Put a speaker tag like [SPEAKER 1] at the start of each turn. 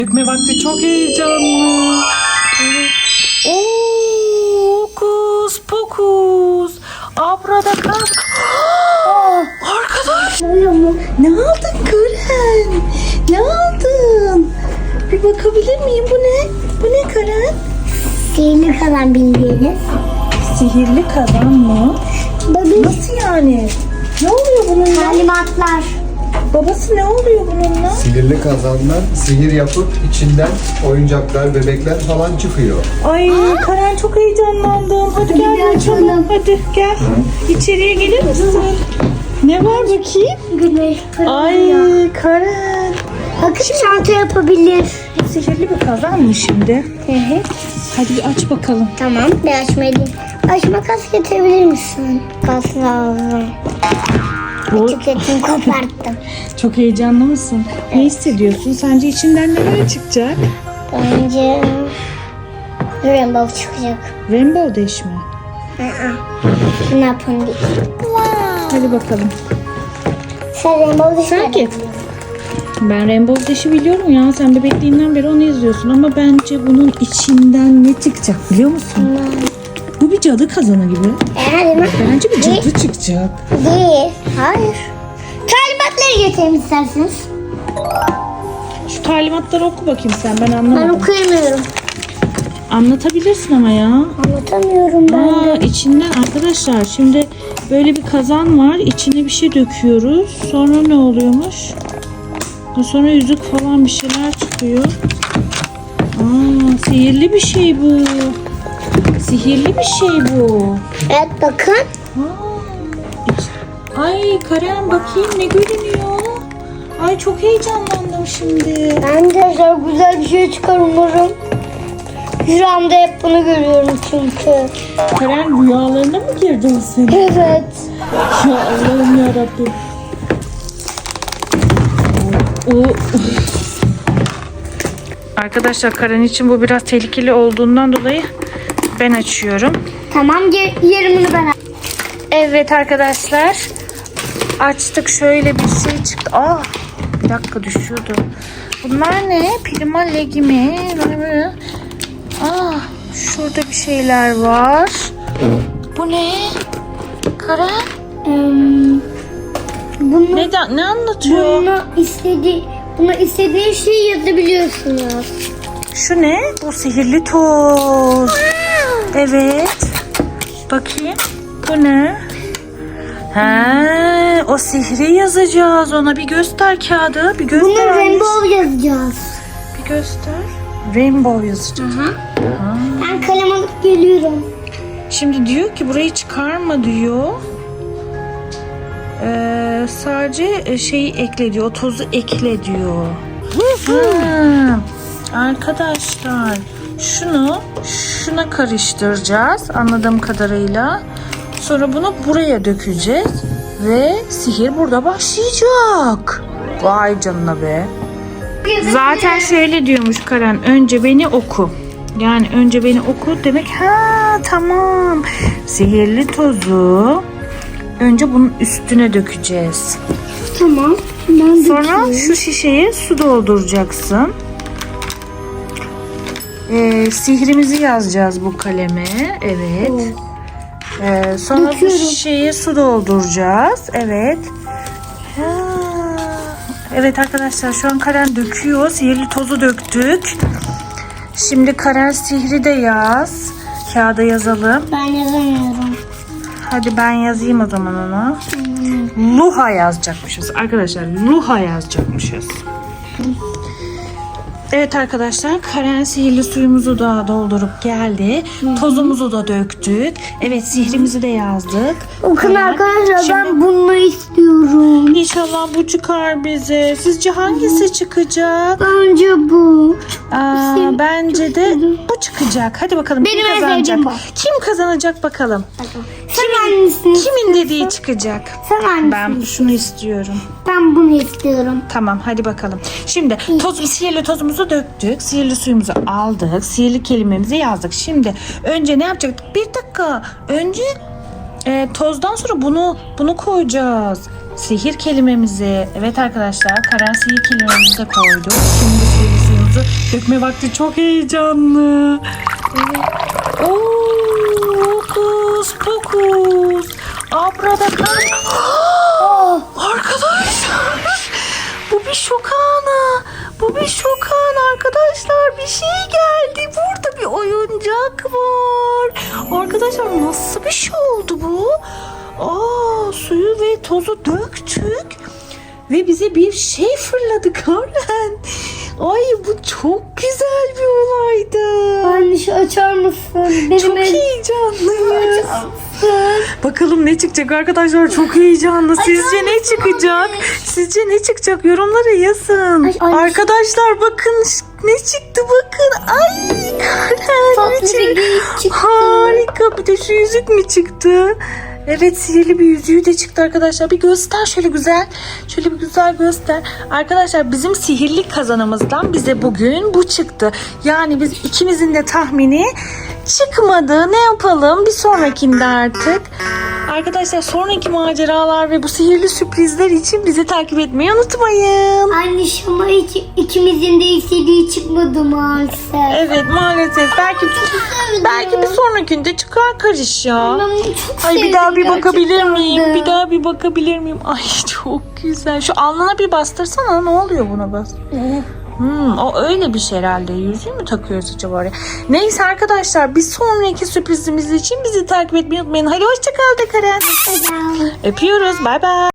[SPEAKER 1] Dökme vakti çok heyecanlı. Evet. Oo, hokus pokus. Abradakadabra. Arkadaş. Ne aldın Karen? Ne aldın? Bir bakabilir miyim? Bu ne? Bu ne Karen?
[SPEAKER 2] Sihirli kalan bildiğiniz.
[SPEAKER 1] Sihirli kazan mı? Nasıl yani? Ne oluyor bununla?
[SPEAKER 2] Talimatlar.
[SPEAKER 1] Babası ne oluyor bununla?
[SPEAKER 3] Sihirli kazandan sihir yapıp içinden oyuncaklar, bebekler falan çıkıyor.
[SPEAKER 1] Ay Karen çok heyecanlandım. Hadi gel
[SPEAKER 2] Hadi
[SPEAKER 1] açalım.
[SPEAKER 2] açalım.
[SPEAKER 1] Hadi gel. İçeriye gelir misin? Ne var bakayım?
[SPEAKER 2] Güneş
[SPEAKER 1] Ay
[SPEAKER 2] parlıyor.
[SPEAKER 1] Karen.
[SPEAKER 2] Bakın çanta yapabilir.
[SPEAKER 1] Sihirli bir kazan mı şimdi? Hadi bir aç bakalım.
[SPEAKER 2] Tamam, bir açmayayım. Açma kas getirebilir misin? Kas lazım. Etiketini koparttım.
[SPEAKER 1] Çok heyecanlı mısın? Ne hissediyorsun? Sence içinden neler çıkacak?
[SPEAKER 2] Bence rainbow çıkacak.
[SPEAKER 1] Rainbow Dash mi?
[SPEAKER 2] Ne yapın değil.
[SPEAKER 1] Hadi bakalım.
[SPEAKER 2] Sen rainbow değil
[SPEAKER 1] Sanki. Ben Rainbow Dash'i biliyorum ya. Sen bebekliğinden beri onu izliyorsun. Ama bence bunun içinden ne çıkacak biliyor musun? Bu bir cadı kazanı gibi.
[SPEAKER 2] Yani
[SPEAKER 1] Bence bir cadı çıkacak.
[SPEAKER 2] değil. Hayır. Talimatları getirin isterseniz.
[SPEAKER 1] Şu talimatları oku bakayım sen. Ben
[SPEAKER 2] Ben
[SPEAKER 1] anlamadım.
[SPEAKER 2] okuyamıyorum.
[SPEAKER 1] Anlatabilirsin ama ya.
[SPEAKER 2] Anlatamıyorum ben de.
[SPEAKER 1] İçinden arkadaşlar şimdi böyle bir kazan var. İçine bir şey döküyoruz. Sonra ne oluyormuş? Sonra yüzük falan bir şeyler çıkıyor. Sihirli bir şey bu. Sihirli bir şey bu.
[SPEAKER 2] Evet bakın.
[SPEAKER 1] Ay Karen bakayım ne görünüyor. Ay çok heyecanlandım şimdi.
[SPEAKER 2] Ben de çok güzel bir şey çıkar umarım. Rüyamda hep bunu görüyorum çünkü.
[SPEAKER 1] Karen rüyalarına mı girdin sen?
[SPEAKER 2] Evet.
[SPEAKER 1] Ya Allah'ım yarabbim. Arkadaşlar Karen için bu biraz tehlikeli olduğundan dolayı ben açıyorum.
[SPEAKER 2] Tamam, yarımını ben al.
[SPEAKER 1] Evet arkadaşlar. Açtık, şöyle bir şey çıktı. Bir dakika düşüyordu. Bunlar ne? Prima Legi mi? Şurada bir şeyler var. Bu ne? Karen?
[SPEAKER 2] Bunu,
[SPEAKER 1] Ne anlatıyor?
[SPEAKER 2] buna istediğin şeyi yazabiliyorsunuz.
[SPEAKER 1] Şu ne? Bu sihirli toz. Evet. Bakayım. Bu ne? O sihri yazacağız ona. Bir göster kağıdı. Bir göster.
[SPEAKER 2] Bunu
[SPEAKER 1] Alice.
[SPEAKER 2] rainbow yazacağız.
[SPEAKER 1] Bir göster. Rainbow yazacağız.
[SPEAKER 2] Ben kalem alıp geliyorum.
[SPEAKER 1] Şimdi diyor ki burayı çıkarma diyor. Sadece şeyi ekle diyor. O tozu ekle diyor. Arkadaşlar şuna karıştıracağız anladığım kadarıyla. Sonra bunu buraya dökeceğiz ve sihir burada başlayacak. Vay canına be. Zaten şöyle diyormuş Karen, önce beni oku. Yani önce beni oku demek. Tamam. Sihirli tozu önce bunun üstüne dökeceğiz.
[SPEAKER 2] Tamam. Ben
[SPEAKER 1] Sonra şu şişeye su dolduracaksın. Sihrimizi yazacağız bu kaleme. Evet. Sonra bu şişeye su dolduracağız. Evet. Evet arkadaşlar şu an Karen döküyor. Sihirli tozu döktük. Şimdi Karen sihri de yaz. Kağıda yazalım.
[SPEAKER 2] Ben yazamıyorum.
[SPEAKER 1] Hadi ben yazayım o zaman onu. Luha yazacakmışız. Arkadaşlar Luha yazacakmışız. Evet arkadaşlar Karen sihirli suyumuzu da doldurup geldi. Tozumuzu da döktük. Evet sihrimizi de yazdık.
[SPEAKER 2] Bakın
[SPEAKER 1] Karen,
[SPEAKER 2] arkadaşlar
[SPEAKER 1] şimdi
[SPEAKER 2] ben bunu istiyorum.
[SPEAKER 1] İnşallah bu çıkar bize. Sizce hangisi çıkacak?
[SPEAKER 2] Bence bu.
[SPEAKER 1] Bence de bu çıkacak. Hadi bakalım
[SPEAKER 2] Benim
[SPEAKER 1] kim
[SPEAKER 2] en
[SPEAKER 1] kazanacak?
[SPEAKER 2] sevdiğim bu.
[SPEAKER 1] Kim kazanacak bakalım?
[SPEAKER 2] Sen hangisini?
[SPEAKER 1] Kimin dediği çıkacak?
[SPEAKER 2] Sen hangisini?
[SPEAKER 1] Ben şunu istiyorum.
[SPEAKER 2] Ben bunu istiyorum.
[SPEAKER 1] Tamam hadi bakalım. Şimdi sihirli tozumuzu döktük. Sihirli suyumuzu aldık. Sihirli kelimemizi yazdık. Şimdi önce ne yapacaktık? Bir dakika. Önce tozdan sonra bunu koyacağız. Sihir kelimemizi. Evet arkadaşlar Karen sihir kelimemizi de koyduk. Şimdi sihir suyumuzu dökme vakti, çok heyecanlı. Evet. Oo, hokus pokus. Abradakadabra. Arkadaşlar, bu bir şok anı. Bu bir şok anı arkadaşlar. Bir şey geldi. Burada bir oyuncak var. Arkadaşlar, nasıl bir şey oldu bu? Suyu ve tozu döktük ve bize bir şey fırladı Karen. Ay, bu çok güzel bir olaydı.
[SPEAKER 2] Anne şu açar mısın?
[SPEAKER 1] Çok heyecanlıyız. Bakalım ne çıkacak arkadaşlar, çok heyecanlı. Sizce ne çıkacak? Sizce ne çıkacak? Yorumlara yazın.
[SPEAKER 2] Ay.
[SPEAKER 1] Arkadaşlar bakın ne çıktı, bakın. Ay Karen,
[SPEAKER 2] Tatlı
[SPEAKER 1] ne
[SPEAKER 2] bir
[SPEAKER 1] çıktı?
[SPEAKER 2] geyik çıktı.
[SPEAKER 1] Harika, bir de şu yüzük mü çıktı? Evet, sihirli bir yüzüğü de çıktı arkadaşlar. Bir göster şöyle güzel. Şöyle bir güzel göster. Arkadaşlar, bizim sihirli kazanımızdan bize bugün bu çıktı. Yani biz ikimizin de tahmini çıkmadı. Ne yapalım? Bir sonrakinde artık. Arkadaşlar, sonraki maceralar ve bu sihirli sürprizler için bizi takip etmeyi unutmayın.
[SPEAKER 2] Anne şu ama ikimizin de istediği çıkmadı maalesef.
[SPEAKER 1] Evet, maalesef. Belki bir sonrakinde çıkar Kariş ya.
[SPEAKER 2] Ben bunu çok
[SPEAKER 1] Ay, bir
[SPEAKER 2] sevdim
[SPEAKER 1] daha bir bakabilir
[SPEAKER 2] gerçekten
[SPEAKER 1] miyim?
[SPEAKER 2] de.
[SPEAKER 1] Bir daha bir bakabilir miyim? Ay, çok güzel. Şu alnına bir bastırsana. Ne oluyor buna bas? O öyle bir şey herhalde. Yüzüğü mü takıyoruz acaba oraya? Neyse arkadaşlar, bir sonraki sürprizimiz için bizi takip etmeyi unutmayın. Hadi hoşça kal de Karen.
[SPEAKER 2] Neden?
[SPEAKER 1] Öpüyoruz. Bay bay.